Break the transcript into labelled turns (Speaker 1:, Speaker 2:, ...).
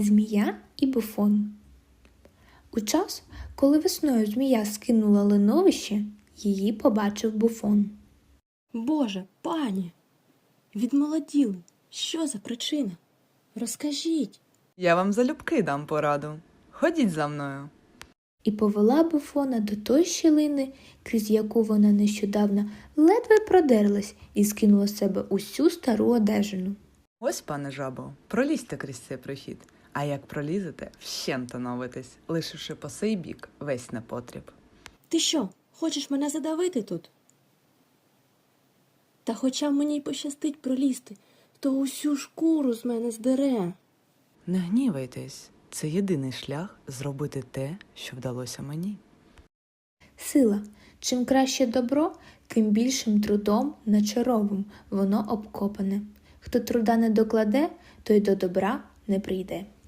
Speaker 1: Змія і Буфон. У час, коли весною змія скинула линовище, її побачив Буфон.
Speaker 2: Боже, пані, відмолоділи. Що за причина? Розкажіть.
Speaker 3: Я вам залюбки дам пораду. Ходіть за мною.
Speaker 1: І повела Буфона до той щілини, крізь яку вона нещодавно ледве продерлась і скинула з себе усю стару одежину.
Speaker 3: Ось, пане жабо, пролізьте крізь цей прохід. А як пролізете, вщент оновитесь, лишивши по сей бік весь непотріб.
Speaker 2: Ти що, хочеш мене задавити тут? Та хоча б мені й пощастить пролізти, то усю шкуру з мене здере.
Speaker 3: Не гнівайтесь, це єдиний шлях зробити те, що вдалося мені.
Speaker 1: Сила. Чим краще добро, тим більшим трудом начаровим воно обкопане. Хто труда не докладе, той до добра не прийде.